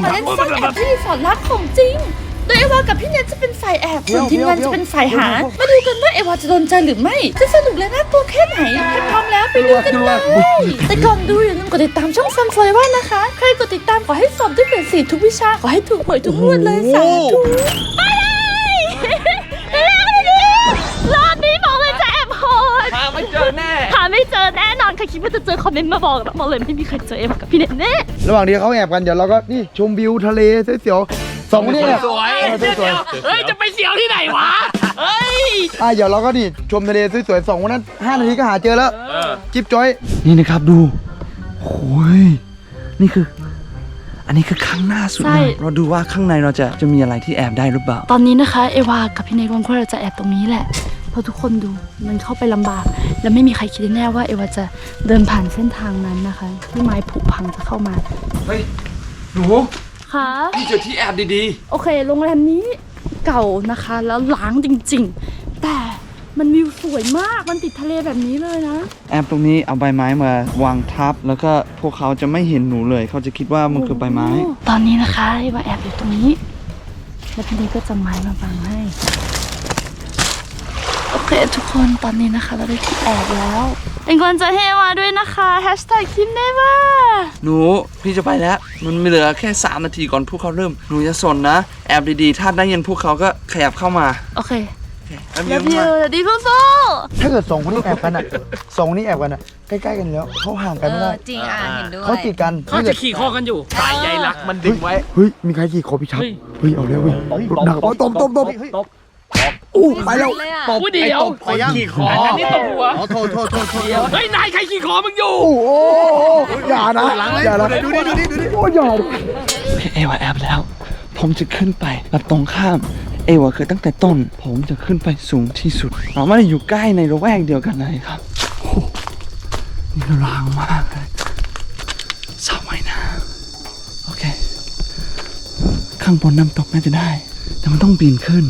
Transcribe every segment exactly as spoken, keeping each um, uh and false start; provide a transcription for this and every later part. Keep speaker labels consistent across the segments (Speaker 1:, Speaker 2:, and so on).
Speaker 1: มาเล่นซ่อนแอบที่รีสอร์ทลับของจริงโดยเอวากับพี่เนทจะเป็นฝ่ายแอบส่วนทีมงานจะเป็นฝ่ายหามาดูกันว่าเอวาจะโดนใจหรือไม่จะสนุกและน่ากลัวแค่ไหนถ้าพร้อมแล้วไปดูกันเลยแต่ก่อนดูอย่าลืมกดติดตามช่องซันฟลอยว่านะคะใครกดติดตามขอให้สอบได้เกรดสี่ทุกวิชาขอให้ถูกหวยทุกงวดเลยสาธุไปเลยรอบนี้บอกเลยจะแอบโหดหาไม่เจอแน่หาไม่เจอแน่นอนใครคิดว่าจะเจอคอมเมนต์มาบอกนะบอกเลยไม่มีใครเจอเอวากับพี่เนทแน่
Speaker 2: ระหว่างที่เขาแอบกันเดี๋ยวเราก็นี่ชมวิวทะเลเสียวสองคนนี้เนี่ย
Speaker 3: สวยเฮ้ยจะไปเสียวที่ไหนวะเฮ้ย
Speaker 2: อ่ะเดี๋ยวเราก็นี่ชมทะเลสวยๆสองคนนั้นห้านาทีก็หาเจอแล้วจิ๊บจ้อยนี่นะครับดูโอ้ยนี่คืออันนี้คือข้างหน้าสุดเลยเราดูว่าข้างในเราจะจะมีอะไรที่แอบได้หรือเปล่า
Speaker 1: ตอนนี้นะคะเอวากับพี่เนทวันพวกเราจะแอบตรงนี้แหละเพราะทุกคนดูมันเข้าไปลำบากและไม่มีใครคิดแน่ว่าเอวาจะเดินผ่านเส้นทางนั้นนะคะที่ไม้ผุพังจะเข้ามา
Speaker 3: เฮ้ยหนู
Speaker 1: ค่ะ
Speaker 3: พี่เจอที่แอบดี
Speaker 1: ๆโอเคโรงแรมนี้เก่านะคะแล้วล้างจริงๆแต่มันวิวสวยมากมันติดทะเลแบบนี้เลยนะ
Speaker 2: แอบตรงนี้เอาใบไม้มาวางทับแล้วก็พวกเขาจะไม่เห็นหนูเลยเขาจะคิดว่ามันคือใบไม้
Speaker 1: ตอนนี้นะคะว่าแอบอยู่ตรงนี้แล้วพี่นี่ก็จะไม้มาบังให้โอเคทุกคนตอนนี้นะคะเราได้ที่แอบแล้วเป็นคนจะเฮวาด้วยนะคะแฮชแท็กคิมเนว่า
Speaker 2: หนูพี่จะไปแล้วมันมีเหลือแค่สามนาทีก่อนพวกเขาเริ่มหนูจะสนนะแอบดีๆถ้าได้ยินพวกเขาก็ขยับเข้ามา
Speaker 1: โอเคแล้วพี่ดีฟูฟู
Speaker 2: ถ้าเกิดสองคนนี้แอบกันอ่ะสองคนนี้แอบกันอ่ะใกล้ๆกันแล้วเขาห่างกันไม่ได้
Speaker 4: จริงอ่ะเห็นด้วย
Speaker 2: เขาติดกัน
Speaker 3: เขาจะขี่คอกันอยู่สายใยรักมันดึงไว้
Speaker 2: เฮ้ยมีใครขี่คอพี่ชักเฮ้ยเอาแล้วเว้ยหนักตบตบตบตบอู้ไปแล้ว
Speaker 3: ตบเดียวขี่คออันนี้ตบหัว
Speaker 2: โทษโทษโทษโทษ
Speaker 3: เฮ้ยนายใครขี่คอมึงอยู่
Speaker 2: โอ้โหอย่านะอย่านะดูดิดูดิดูดิโอ้ยพี่เอวาแอบแล้วผมจะขึ้นไปแบบตรงข้ามเอวาคือตั้งแต่ต้นผมจะขึ้นไปสูงที่สุดเราไม่ได้อยู่ใกล้ในระแวกเดียวกันเลยครับโอ้นี่รางมากเลยสระว่ายน้ำโอเคข้างบนน้ำตกน่าจะได้แต่มันต้องปีนขึ้น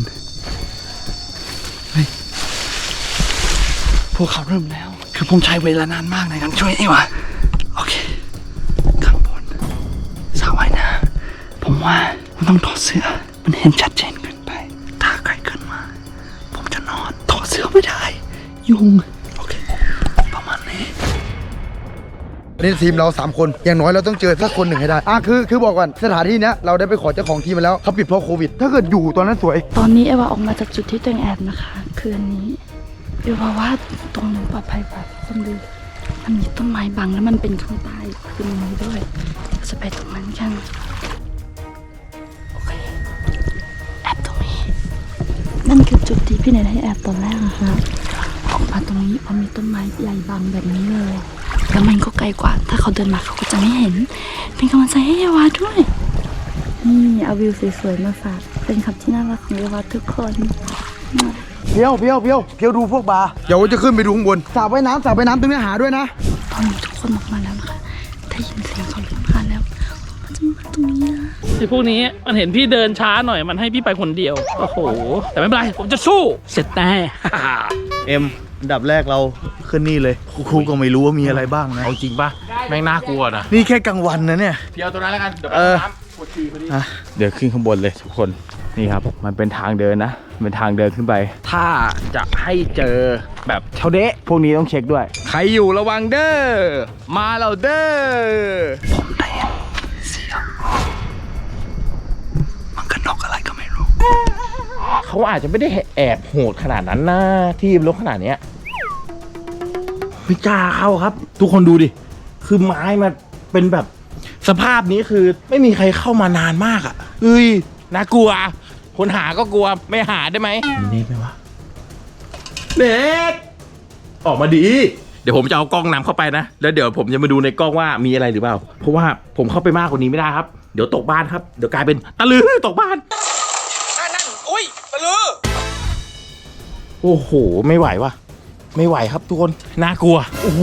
Speaker 2: พวกเขาเริ่มแล้วคือผมใช้เวลานานมากในการช่วยเอวาโอเคข้างบนสระว่ายน้ำผมว่าผมต้องถอดเสื้อมันเห็นชัดเจนขึ้นไปถ้าใครขึ้นมาผมจะนอนถอดเสื้อไม่ได้ยุงโอเคประมาณนี้นี่ทีมเราสามคนอย่างน้อยเราต้องเจอสักคนหนึ่งให้ได้อ่ะคือคือบอกก่อนสถานที่นี้เราได้ไปขอเจ้าของทีมมาแล้วเขาปิดเพราะโควิดถ้าเกิดอยู่ตอนนั้นสวย
Speaker 1: ตอนนี้เอวาออกมาจากจุดที่ตัวเองแอบนะคะคืออันนี้เอวาว่าตรงนั้นปลอดภัยกว่าคนดูมันมีต้นไม้บังแล้วมันเป็นข้างใต้คือมันมีด้วยจะไปตรงนั้นกันโอเคแอบตรงนี้นั่นคือจุดที่พี่เนทให้แอบตอนแรกนะคะออกมาตรงนี้เพราะมีต้นไม้ใหญ่บังแบบนี้เลยแล้วมันก็ไกลกว่าถ้าเขาเดินมาเขาก็จะไม่เห็นเป็นกำลังใจให้เอวาด้วยนี่เอาวิวสวยๆมาฝากเป็นคำที่น่ารักของเอวาทุกคนเพียว
Speaker 2: เพียวเพียวเพียวดูพวกบาร์เดี๋ยวจะขึ้นไปดูข้างบนสระว่ายน้ำสระว่ายน้ำตรงนี้หาด้วยนะ
Speaker 1: ตอนนี้ทุกคนออกมาแล้วนะคะได้ยินเสียงเขาเริ่มมาแล้วเขาจะมาตรงนี้นะ
Speaker 3: ไอ้พวกนี้มันเห็นพี่เดินช้าหน่อยมันให้พี่ไปคนเดียวโอ้โหแต่ไม่เป็นไรผมจะสู้เสร็จแน่
Speaker 5: เอ็มอันดับแรกเราขึ้นนี่เลยครูก็ไม่รู้ว่ามีอะไรบ้างนะ
Speaker 3: เอาจริงป่ะแม่งน่ากลัวนะ
Speaker 5: นี่แค่กลางวันนะเนี่ย
Speaker 3: เพียวตัวนั้นแล้วกันเดี๋ยวไปน้ำปวดฉี่พอดี
Speaker 5: เดี๋ยวขึ้นข้างบนเลยทุกคนนี่ครับมันเป็นทางเดินนะเป็นทางเดินขึ้นไปถ้าจะให้เจอแบบเท่าเดะพวกนี้ต้องเช็คด้วยใครอยู่ระวังเด้อมาเราเด้อ
Speaker 2: ผมได้เสียงมันกระนกอะไรก็ไม่รู้
Speaker 3: เขาอาจจะไม่ได้แอบโหดขนาดนั้นนะที่ลกขนาดเนี้ยไม่กล้าเข้าครับทุกคนดูดิคือไม้มันเป็นแบบสภาพนี้คือไม่มีใครเข้ามานานมากอ่ะเอ้ยน่ากลัวคนหาก็กลัวไม่หาได้ไหม
Speaker 5: เน็กไหมวะ
Speaker 3: เน็กออกมาดีเดี๋ยวผมจะเอากล้องนำเข้าไปนะแล้วเดี๋ยวผมจะมาดูในกล้องว่ามีอะไรหรือเปล่าเพราะว่าผมเข้าไปมากกว่านี้ไม่ได้ครับเดี๋ยวตกบ้านครับเดี๋ยวกลายเป็นตะลือตกบ้านนั่นอุ้ยตะลือโอ้โหไม่ไหววะไม่ไหวครับทุกคนน่ากลัวโอ้โห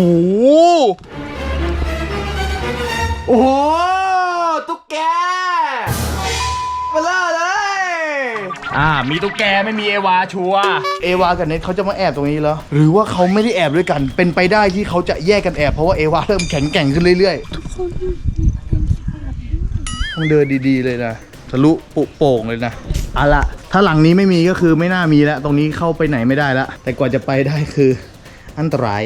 Speaker 3: โอ้โหตุ๊กแกมาเลยอ่ามีตุ๊กแกไม่มีเอวาชัว
Speaker 2: เอวากับเน็ตเขาจะมาแอบตรงนี้แล้วหรือว่าเขาไม่ได้แอบด้วยกันเป็นไปได้ที่เขาจะแยกกันแอบเพราะว่าเอวาเริ่มแข็งแกร่งขึ้นเรื่อยๆทุกคนมีประเด็นต้องเดินดีๆเลยนะทะลุปุโป่งเลยนะเอาละถ้าหลังนี้ไม่มีก็คือไม่น่ามีแล้วตรงนี้เข้าไปไหนไม่ได้แล้วแต่กว่าจะไปได้คืออันตราย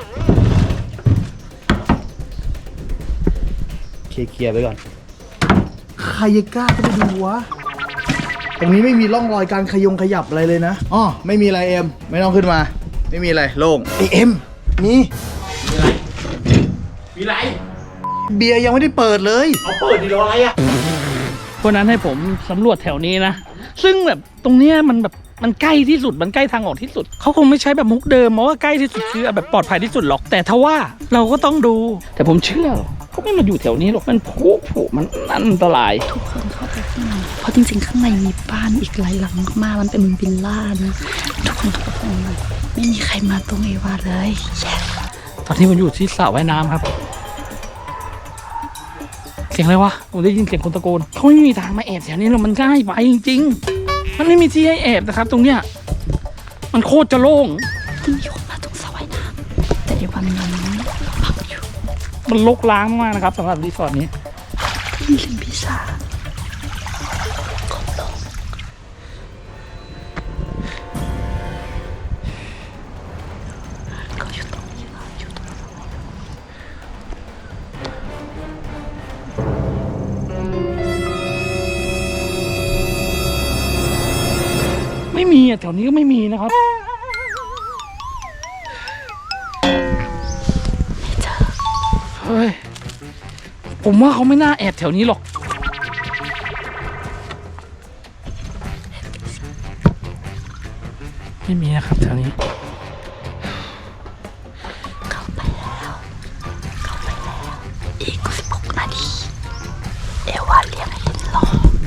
Speaker 2: เคลียร์ไปก่อนใครจะกล้าจะไปดูวะตรงนี้ไม่มีร่องรอยการขยงขยับอะไรเลยนะอ๋อไม่มีอะไรเอ็มไม่ต้องขึ้นมาไม่มีอะไรโล่งไอเอ็มนี่
Speaker 3: มีไร
Speaker 2: เบียร์ยังไม่ได้เปิดเลย
Speaker 3: เอาเปิดดีรออะไรอ่ะ
Speaker 4: วันนั้นให้ผมสำรวจแถวนี้นะ ซึ่งแบบตรงเนี้ยมันแบบมันใกล้ที่สุดมันใกล้ทางออกที่สุดเขาคงไม่ใช้แบบมุกเดิมเพราะว่าใกล้ที่สุดคือแบบปลอดภัยที่สุดหรอกแต่ทว่าเราก็ต้องดู แต่ผมเชื่อเขาไม่มาอยู่แถวนี้หรอกมันผุผุมันอันตราย
Speaker 1: ทุกคนเข้าไปข้างในเพราะจริงๆข้างในมีบ้านอีกหลายหลังมากๆมันเป็นวิลล่านะทุกคนเข้าไปข้างในไม่มีใครมาตรงเอวาเลย yes
Speaker 4: ตอนนี้ผมอยู่ที่สระว่ายน้ำครับ เสียงอะไรวะผมได้ยินเสียงคนตะโกนเขาไม่มีทางมาแอบแถวนี้หรอกมันง่ายไปจริงๆมันไม่มีที่ให้แอบนะครับ ตรงเนี้ยมันโคตรจะโล่ง
Speaker 1: มันมีคนมาตรงสระว่ายน้ำแต่เอวามันยังพักอยู่
Speaker 4: มันรกร้างมากๆนะครับสำหรับรีสอร์ทนี้
Speaker 1: มีลิมพิซาเขาอยู่ตรงนี้นะอยู่ตรงนี้
Speaker 4: ไม่มีอ่ะแถวนี้ก็ไม่มีนะครับ เฮ้ย ผมว่าเขาไม่น่าแอบแถวนี้หรอก ไม่มีนะครับแถวนี้
Speaker 1: เข้าไปแล้วเข้าไปแล้วอีกสิบหกนาทีเอวาเรียกให้รอ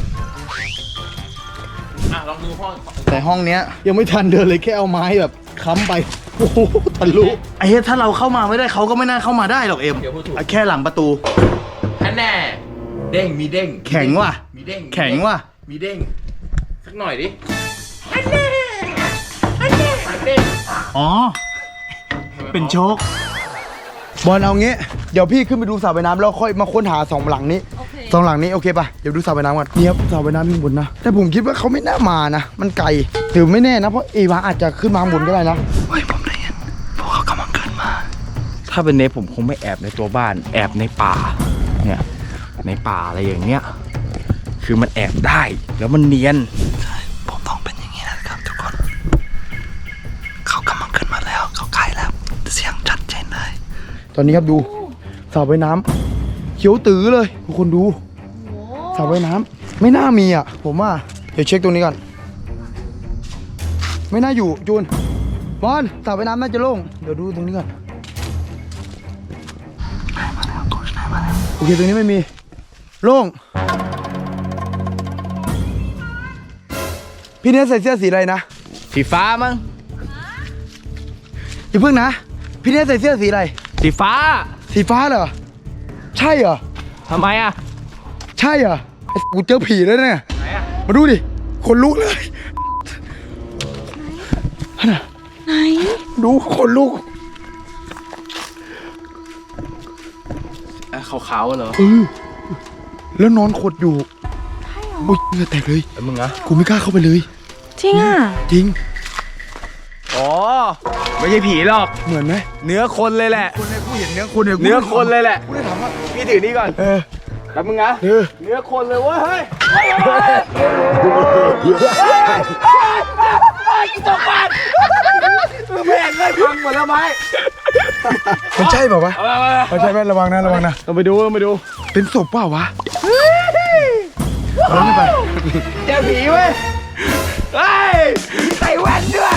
Speaker 3: อ่ะลองดูห้อง
Speaker 2: แต่ห้องเนี้ยยังไม่ทันเดินเลยแค่เอาไม้แบบค้ำไปโอ้โหทะลุไอ้เหี้ยถ้าเราเข้ามาไม่ได้เขาก็ไม่น่าเข้ามาได้หรอกเอ็มอ่ะแค่หลังประตู
Speaker 3: อันแน่เด้งมีเด้ง
Speaker 2: แข็งว่ะ
Speaker 3: มีเด้ง
Speaker 2: แข็งว่ะ
Speaker 3: มีเด้งสักหน่อยดิอันแน่อันแน่เด้ง
Speaker 2: อ๋อเป็นโชคบอลเอางี้เดี๋ยวพี่ขึ้นไปดูสระว่ายน้ำแล้วค่อยมาค้นหาสองหลังนี้สองหลังนี้โอเคป่ะเดี๋ยวดูสระว่ายน้ำก่อนนี่ครับสระว่ายน้ำข้างบนนะแต่ผมคิดว่าเขาไม่น่ามานะมันไกลหรือไม่แน่นะเพราะเอวาอาจจะขึ้นมาข้างบนก็ได้นะเฮ้ยผมได้ยินพวกเขากำลังขึ้นมา
Speaker 5: ถ้าเป็นเนฟผมคงไม่แอบในตัวบ้านแอบในป่าเนี่ยในป่าอะไรอย่างเงี้ยคือมันแอบได้แล้วมันเนียน
Speaker 2: ใช่ผมต้องเป็นอย่างนี้นะครับทุกคนเขากำลังขึ้นมาแล้วเขาใกล้แล้วเสียงชัดเจนเลยตอนนี้ครับดูสระว่ายน้ำเขียวตื้อเลยทุกคนดูสระว่ายน้ำไม่น่ามีอ่ะผมว่าเดี๋ยวเช็คตรงนี้ก่อนไม่น่าอยู่จูนบอลสระว่ายน้ำน่าจะโล่งเดี๋ยวดูตรงนี้ก่อนโอเคตรงนี้ไม่มีโล่งพี่เนสใส่เสื้อสีอะไรนะ
Speaker 5: สีฟ้ามั้ง
Speaker 2: อย่าเพิ่งนะพี่เนสใส่เสื้อสีอะไร
Speaker 5: สีฟ้า
Speaker 2: สีฟ้าเหรอใช่เหรอ
Speaker 5: ทำไมอ่ะ
Speaker 2: ใช่เหรอไอ้กูเจอผีแล้วเนี่ย
Speaker 5: ไหนอ่ะ
Speaker 2: มาดูดิขนลุกเลยไหน ดูขนลุก
Speaker 5: ขาวๆเหรอ
Speaker 2: เออแล้วนอนขดอยู่โอ้ยเหงื่อแตกเลย
Speaker 5: แล้วมึงอะ
Speaker 2: กูไม่กล้าเข้าไปเลย
Speaker 1: จริงอ่ะ
Speaker 2: จริง
Speaker 5: อ๋อไม่ใช่ผีหรอก
Speaker 2: เหมือนไหม
Speaker 5: เนื้อคนเลยแหละ
Speaker 2: คนเนี่ยกูเห็นเนื้อคนเนี่ยกู
Speaker 5: เนื้อคนเลยแหละ
Speaker 2: กูได้ถามว่า
Speaker 5: พี่ถือนี่ก่อน
Speaker 2: เออ
Speaker 5: แล้วมึงอะ
Speaker 2: เออ
Speaker 5: เนื้อคนเลยเว้ยเฮ้ยตกบ้านแม่งเลยพังหมดแล้วไหม
Speaker 2: มันใช่เปล่าวะ
Speaker 5: เอาไปเอาไป
Speaker 2: มันใช่ไหมระวังนะระวังนะ
Speaker 5: ต้องไปดูต้องไปดู
Speaker 2: เป็นศพเปล่าวะเอาไม่ไป
Speaker 5: เจอผีเว้ยเฮ้ยใส่แว่นด้วย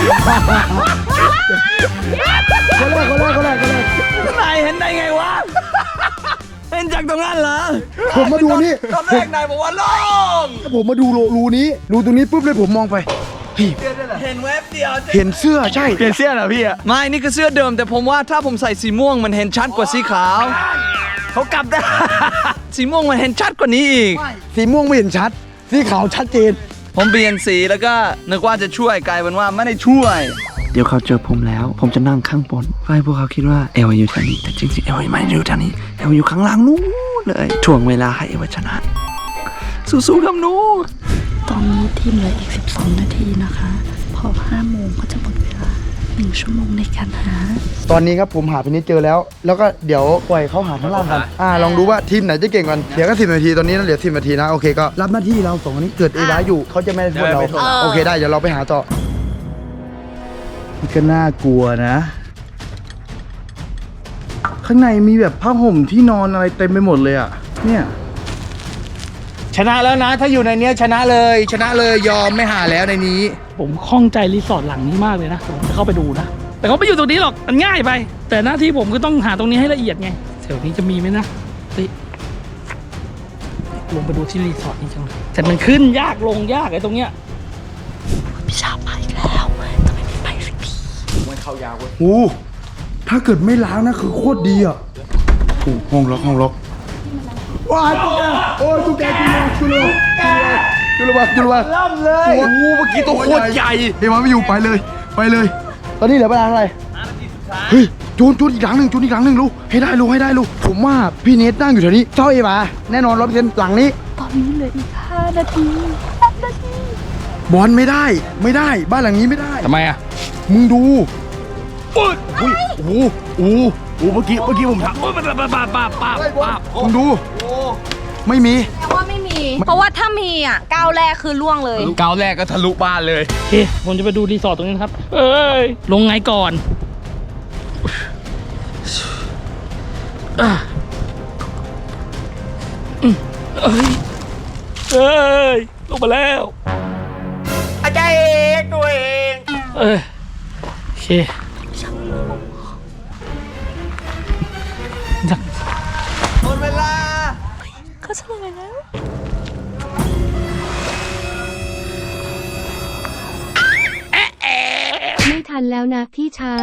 Speaker 2: คนแรกคนแรกคนแรกคนแรก
Speaker 5: นายเห็นได้ไงวะเห็นจากตรงนั้นเหรอ
Speaker 2: ผมมาดูนี่
Speaker 5: ตอนแรกนายบอกว่าโล่ง
Speaker 2: ผมมาดูรูรูนี้รูตรงนี้ปุ๊บเลยผมมองไปเฮ้ย
Speaker 5: เห็นแวบเดียว
Speaker 2: เห็นเสื้อใช่
Speaker 5: เปลี่ยนเสื้อเหรอพี่อะ
Speaker 6: ไม่ นี่คือเสื้อเดิม แต่ผมว่าถ้าผมใส่สีม่วงมันเห็นชัดกว่าสีขาว
Speaker 5: เขากลับได้
Speaker 6: สีม่วงมันเห็นชัดกว่านี้อีก
Speaker 2: สีม่วงไม่เห็นชัดสีขาวชัดเจน
Speaker 6: ผมเปลี่ยนสีแล้วก็นึกว่าจะช่วยกลายเป็นว่าไม่ได้ช่วย
Speaker 2: เดี๋ยวเขาเจอผมแล้ว ผมจะนั่งข้างบนเพื่อให้พวกเขาคิดว่าเอวอยู่แถวนี้แต่จริงๆเอวไม่ได้อยู่แถวนี้เอวอยู่ข้างล่างนู้นเลยถ่วงเวลาให้เอวชนะสู้ๆครับหนู
Speaker 1: ตอนนี้ทีมเหลืออีกสิบสองนาทีนะคะ พอห้าโมงก็จะหมดเวลาหนึ่งชั่วโมงในการหา
Speaker 7: ตอนนี้ครับผมหาพินิจเจอแล้ว แล้วก็เดี๋ยวปล่อยเขาหาข้างล่างกันอ่าลองดูว่าทีมไหนจะเก่งกันเดี๋ยวก็สิบนาทีตอนนี้นะเหลือสิบนาทีนะโอเคก็รับหน้าที่เราสองคนนี้เกิดเอวาอยู่เขาจะไม่ได้โทษเราโอเคได้เดี๋ยวเราไปหาต่อมันก็น่ากลัวนะ ข้างในมีแบบผ้าห่มที่นอนอะไรเต็มไปหมดเลยอ่ะเนี่ยชนะแล้วนะ ถ้าอยู่ในเนี้ยชนะเลยชนะเลยยอมไม่หาแล้วในนี้
Speaker 4: ผมคล่องใจรีสอร์ทหลังนี้มากเลยนะผมจะเข้าไปดูนะแต่เขาไม่อยู่ตรงนี้หรอกมันง่ายไป แต่หน้าที่ผมก็ต้องหาตรงนี้ให้ละเอียดไงแถวนี้จะมีไหมนะเฮ้ยลงไปดูที่รีสอร์ทนี่จังเลยแต่มันขึ้นยากลงยากไอ้ตรงเนี้ย
Speaker 1: พี่ชาไปแล้วทำไมไม่ไปสักที
Speaker 7: โอ้ถ้าเกิดไม่ล้างนะคือโคตรดีอ่ะโอ้ห้องล็อกห้องล็อกว้ายตุ๊กแกโอ้ยตุ๊กแกจุลจุลจุลจุลจุลจุลล่ำเลยโอ้เมื่อกี้ตัวโคตรใหญ่เฮ้ยมาไม่อยู่ไปเลยไปเลย ตอนนี้เหลือเวลาเท่าไหร่เฮ้ยจูนจูนอีกหลังหนึ่งจูนอีกหลังหนึ่งลูกให้ได้ลูกให้ได้ลูกผมว่าพี่เนทนั่งอยู่แถวนี้เจ้าเอมาแน่นอนร้อยเปอร์เซ็นต์หลังนี้
Speaker 1: ตอนนี้เหลืออีกห้านาทีห้านาที
Speaker 7: บอลไม่ได้ไม่ได้บ้านหลังนี้ไม่ได้
Speaker 5: ทำไมอ่ะ
Speaker 7: มึงดู
Speaker 5: อุ้ยอุ้ยโอ้โหโอ้โหโอ้โหเมื่อกี้เมื่อกี้ผมทำโอ้ยมันปาปาปาปาปา
Speaker 7: มึงดูไม่มี
Speaker 8: แต่ว่าไม่มี เพราะว่าถ้ามีอ่ะก้าวแรกคือล่วงเลย
Speaker 5: ก้าวแรกก็ทะลุบ้านเลย
Speaker 4: โอเคผมจะไปดูรีสอร์ทตรงนี้นะครับเอ้ยลงไงก่อนอ่ะอืมเอ้ยเอ้ยลงมาแล้วอาจารย์เองตัวเองเอ้ยโอเคจัง
Speaker 6: หมดเวลา
Speaker 1: เขาเฉลยแล้ว
Speaker 9: ไม่ทันแล้วนะพี่ชา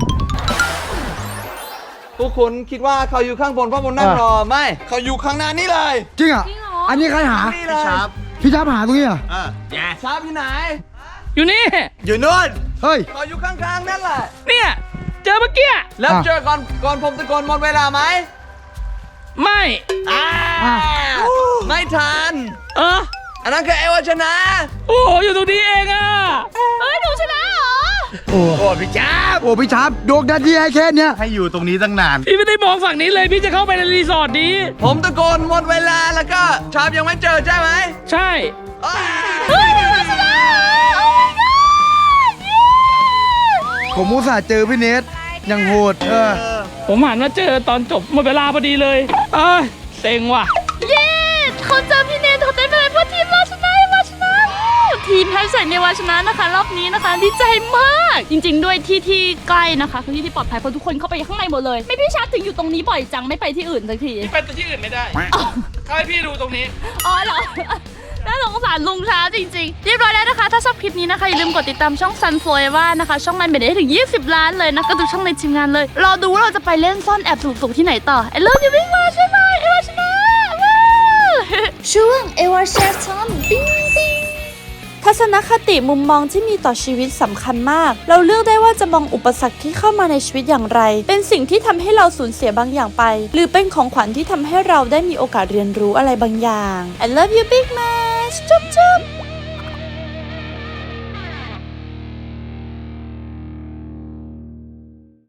Speaker 6: พวกคุณคิดว่าเขาอยู่ข้างบนเพราะผมนั่งรอไม่ เขาอยู่ข้างหน้านี่เลย
Speaker 7: จริงอ่ะอันนี้ใครหา
Speaker 6: นี่เลยครับ
Speaker 7: พี่ชาบหาตรงนี้อ่ะ
Speaker 6: ชาร์ปอยู่ไหน
Speaker 4: อยู่นี่
Speaker 6: อยู่นู่น
Speaker 7: เฮ้ย
Speaker 6: เขาอยู่ข้างๆนั่นแหละ
Speaker 4: เนี่ยเจอเมื่อกี้
Speaker 6: แล้ว
Speaker 7: อ่ะ
Speaker 6: เจอก่อนก่อนผมตะโกนหมดเวลาไหม
Speaker 4: ไม่
Speaker 6: อ่าไม่ทัน
Speaker 4: เออ
Speaker 6: อันนั้นคือเอวาชนะ
Speaker 4: โอ้โหอยู่ตรงนี้เองอ่ะ
Speaker 8: เฮ้ย หนูชนะเหรอ
Speaker 7: โอ้โอ้พี่ชาบโอ้พี่ชาบโดกดันที่ให้แค่เนี้ย
Speaker 5: ให้อยู่ตรงนี้ตั้งนาน
Speaker 4: พี่ไม่ได้มองฝั่งนี้เลยพี่จะเข้าไปในรีสอร์ทนี้
Speaker 6: ผมตะโกนหมดเวลาแล้วก็ชาร์ปยังไม่เจอใช่ไหม
Speaker 4: ใช่
Speaker 8: เฮ้ย หนูชนะเหรอ โอ้ my god เย้
Speaker 7: ผมอุตส่าห์เจอพี่เนทยังโหดเออ
Speaker 4: ผมหันมาเจอตอนจบหมดเวลาพอดีเลยเอ้ยเซ็งว่ะ
Speaker 1: เย้เขาเจอพี่เนทเขาเต้นไปเลยเพราะทีมเราชนะเอวาชนะทีมแฮชแท็กเอวาชนะนะคะรอบนี้นะคะดีใจมาก จริง ๆ ด้วยที่ที่ใกล้นะคะคือที่ที่ปลอดภัยเพราะทุกคนเข้าไปข้างในหมดเลย ไม่พี่ชาร์จถึงอยู่ตรงนี้บ่อยจังไม่ไปที่อื่นสักที
Speaker 4: ไปที่อื่นไม่ได้เขาให้พี่ดูตรงนี้
Speaker 1: อ๋อเหรอ น่าสงสารลุงช้าจริงๆ เรียบร้อยแล้วนะคะ ถ้าชอบคลิปนี้นะคะ อย่าลืมกดติดตามช่อง Sun Forever นะคะ ช่องมันเป็นได้ถึงยี่สิบล้านเลยนะก็ดูช่องในทีมงานเลย รอดูว่าเราจะไปเล่นซ่อนแอบสูงๆที่ไหนต่อไอ้เลิฟยูวิ่งมาใช่ไหมเอวาชนะช่วงเอวาแชร์ทอมปิ้งปิ้งทัศนคติมุมมองที่มีต่อชีวิตสำคัญมาก เราเลือกได้ว่าจะมองอุปสรรคที่เข้ามาในชีวิตอย่างไร เป็นสิ่งที่ทำให้เราสูญเสียบางอย่างไป หรือเป็นของขวัญที่ทำให้เราได้มีโอกาสเรียนรู้อะไรบางอย่าง I love you big much จุ๊บจุ๊บ